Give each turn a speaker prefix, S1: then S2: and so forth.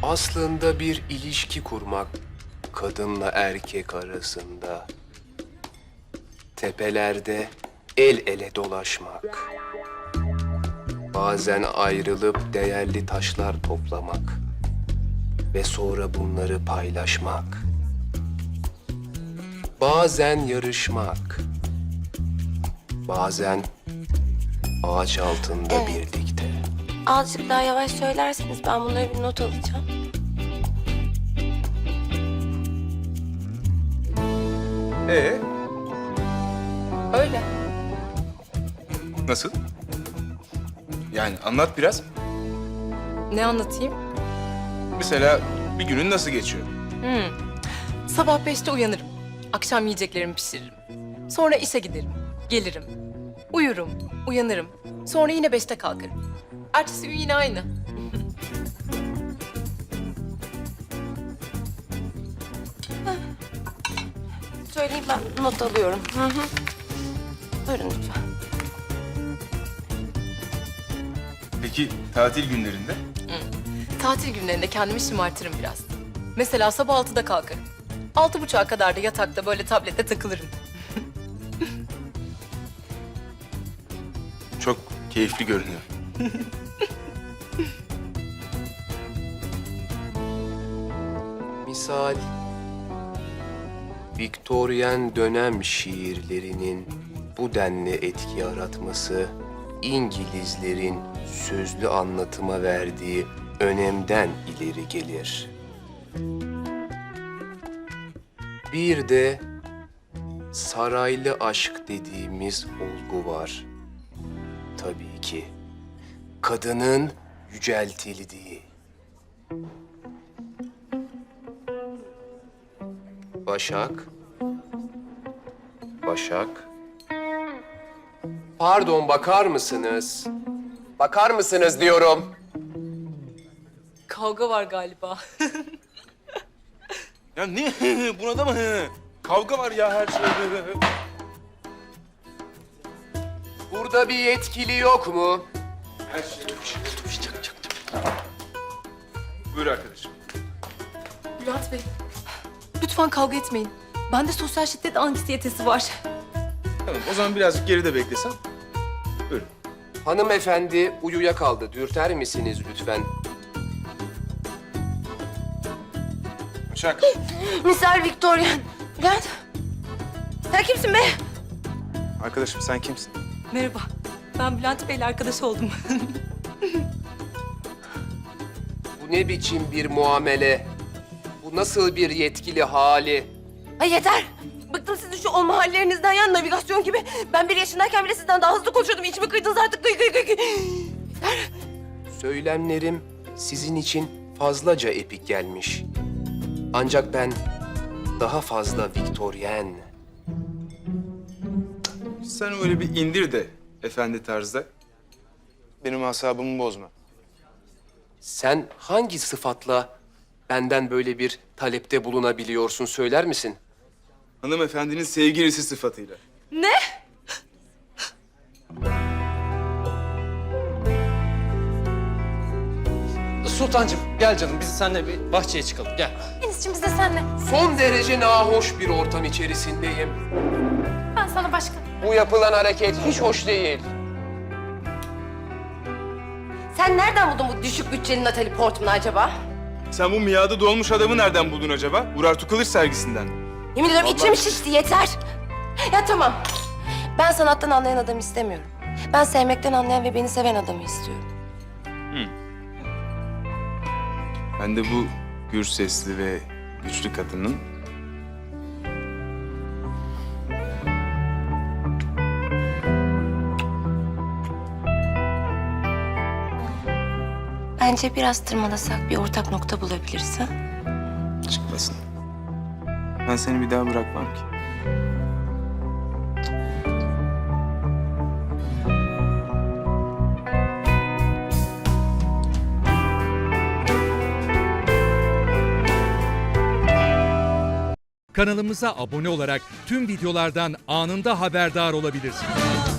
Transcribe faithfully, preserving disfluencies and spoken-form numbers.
S1: Aslında bir ilişki kurmak kadınla erkek arasında. Tepelerde el ele dolaşmak. Bazen ayrılıp değerli taşlar toplamak. Ve sonra bunları paylaşmak. Bazen yarışmak. Bazen ağaç altında
S2: Evet.
S1: birlikte.
S2: Azıcık daha yavaş söylerseniz ben bunları bir not alacağım.
S3: Ee,
S2: Öyle.
S3: nasıl? Yani anlat biraz.
S4: Ne anlatayım?
S3: Mesela bir günün nasıl geçiyor?
S4: Sabah beşte uyanırım. Akşam yiyeceklerimi pişiririm. Sonra işe giderim. Gelirim. Uyurum. Uyanırım. Sonra yine beşte kalkarım. Ertesi gün yine aynı.
S2: Söyleyeyim ben not alıyorum. Hı hı. Buyurun lütfen.
S3: Peki tatil günlerinde?
S4: Tatil günlerinde kendimi şımartırım biraz. Mesela sabah altıda kalkarım. Altı buçuğa kadar da yatakta böyle tablette takılırım.
S3: Çok keyifli görünüyor.
S1: Misal, Viktoryen dönem şiirlerinin bu denli etki yaratması, İngilizlerin sözlü anlatıma verdiği önemden ileri gelir. Bir de saraylı aşk dediğimiz olgu var. Tabii ki kadının yüceltildiği. Başak. Başak. Pardon, bakar mısınız? Bakar mısınız diyorum.
S4: Kavga var galiba.
S3: Ya ne? Buna da mı? Kavga var ya her şeyde.
S1: Burada bir yetkili yok mu?
S3: Her şey. Buyur arkadaşım.
S4: Bülent Bey, lütfen kavga etmeyin. Bende sosyal şiddet anksiyetesi var.
S3: Tamam, o zaman birazcık geride beklesem. Buyurun.
S1: Hanımefendi uyuyakaldı. Dürter misiniz lütfen?
S3: Başak.
S2: Misal Victorian. Bülent. Sen kimsin be?
S3: Arkadaşım sen kimsin?
S4: Merhaba, ben Bülent Bey'le arkadaş oldum.
S1: Bu ne biçim bir muamele? Bu nasıl bir yetkili hali?
S2: Ay yeter. Bıktım sizin şu olma hallerinizden ya, navigasyon gibi. Ben bir yaşındayken bile sizden daha hızlı konuşuyordum. İçimi kıydınız artık. Kıy kıy kıy kıy. Yeter.
S1: Söylemlerim sizin için fazlaca epik gelmiş. Ancak ben daha fazla Viktoryen.
S3: Sen öyle bir indir de efendi tarzda. Benim asabımı bozma.
S1: Sen hangi sıfatla benden böyle bir talepte bulunabiliyorsun, söyler misin?
S3: Hanımefendinin sevgilisi sıfatıyla.
S4: Ne?
S5: Sultancığım gel canım biz seninle bir bahçeye çıkalım gel.
S2: Enis'cim biz de senle.
S1: Son derece nahoş bir ortam içerisindeyim.
S2: Ben sana başka.
S1: Bu yapılan hareket hiç hoş değil.
S2: Sen nereden buldun bu düşük bütçeli Natalie Portman'ı acaba?
S3: Sen bu miadı dolmuş adamı nereden buldun acaba? Urartu Kılıç sergisinden.
S2: Yemin ediyorum
S3: Vallahi-
S2: içim şişti, yeter. Ya tamam. Ben sanattan anlayan adamı istemiyorum. Ben sevmekten anlayan ve beni seven adamı istiyorum.
S3: Ben de bu gür sesli ve güçlü kadının
S2: Bence biraz tırmalasak bir ortak nokta bulabiliriz ha?
S3: çıkmasın. Ben seni bir daha bırakmam ki.
S6: Kanalımıza abone olarak tüm videolardan anında haberdar olabilirsiniz.